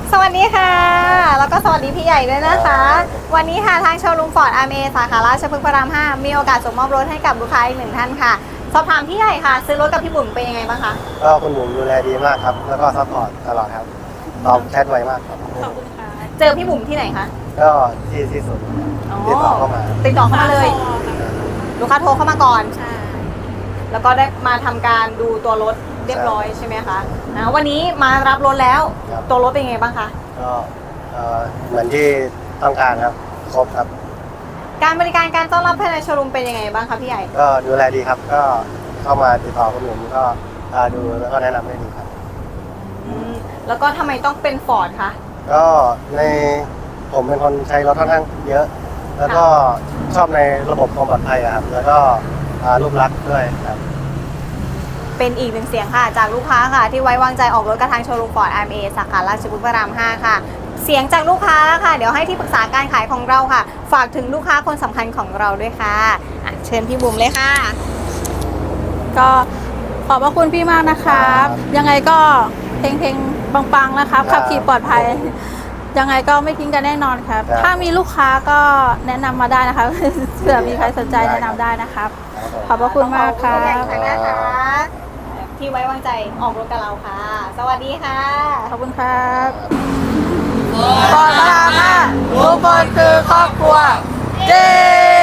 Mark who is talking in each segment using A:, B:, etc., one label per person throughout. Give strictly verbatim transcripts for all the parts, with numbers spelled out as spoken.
A: สวัสดีค่ะแล้วก็สวัสดีพี่ใหญ่ด้วยนะคะวันนี้ค่ะทางโชว์รูมฟอร์ดอาร์เมสาขาราชพฤกษ์พระรามห้ามีโอกาสส่งมอบรถให้กับลูกค้าอีกหนึ่งท่านค่ะสอบถามพี่ใหญ่ค่ะซื้อรถกับพี่บุ๋มเป็นยังไงบ้างคะ
B: ก็คุณบุ๋มดูแลดีมากครับแล้วก็ซัพพอร์ตตลอดครับตอบแชทไวมากครับ
A: ขอบคุณค่ะเจอพี่บุ๋มที่ไหนคะ
B: ก็ที่ที่สุดติดต่อเข้ามา
A: ติดต่อเข้ามาเลยลูกค้าโทรเข้ามาก่อนใช่แล้วก็ได้มาทำการดูตัวรถเรียบร้อยใช่ไหมคะนะวันนี้มารับรถแล้วตัวรถเป็นยังไงบ้างคะ
B: ก็เหมือนที่ต้องการครับครบครับ
A: การบริการการต้อนรับภายในโชว์รูมเป็นยังไงบ้างคะพี่ใหญ่
B: ก็ดูแลดีครับก็เข้ามาติดต่อคุณบุ๋มก็ดูแล้วก็แนะนำได้ดีครับ
A: แล้วก็ทำไมต้องเป็นฟอร์ดคะ
B: ก็ในผมเป็นคนใช้รถค่อนข้างเยอะแล้วก็ชอบในระบบความปลอดภัยครับแล้วก็รูปลักษณ์ด้วยครับ
A: เป็นอีกหนึ่งเสียงค่ะจากลูกค้าค่ะที่ไว้วางใจออกรถกระทางโชว์รูมฟอร์ด อาร์ เอ็ม เอ สาขาราชพฤกษ์พระรามห้าค่ะเสียงจากลูกค้าค่ะเดี๋ยวให้ที่ปรึกษาการขายของเราค่ะฝากถึงลูกค้าคนสำคัญของเราด้วยค่ะะเชิญพี่บุ๋มเลยค่ะ
C: ก็ขอบพระคุณพี่มากนะครับยังไงก็เพลงเพลงปังๆนะครับขับขี่ปลอดภัยยังไงก็ไม่ทิ้งกันแน่นอนครับถ้ามีลูกค้าก็แนะนำมาได้นะคะเผื่อมีใครสนใจแนะนำได้นะครับขอบพระคุณมากครับ
A: ที่ไว้วางใจออกรถกับเราค่ะสวัสดีค่ะ
C: ขอบคุณครับก่อนลาค่ะทุกคนคือครอบครัวเย้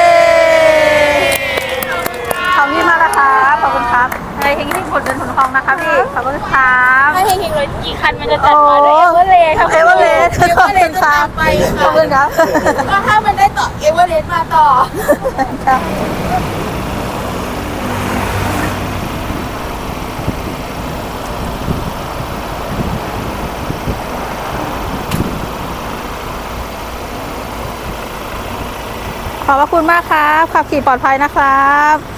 C: ขอบคุณมากนะครับขอบคุณครับให้เฮงที่ผลเงินผลทองนะคะพี่ขอบคุณครับ
D: ถ้าเฮงๆรถกี่คันมันจะจัดมาด้วยเอเวอเรสต์
C: เอเวอเรสต์ขอบคุณครับขอบคุณครับ
D: ก็ถ้ามันได้ต่อเอเวอเรสต์มาต่อ
C: ขอบพระคุณมากครับขับขี่ปลอดภัยนะครับ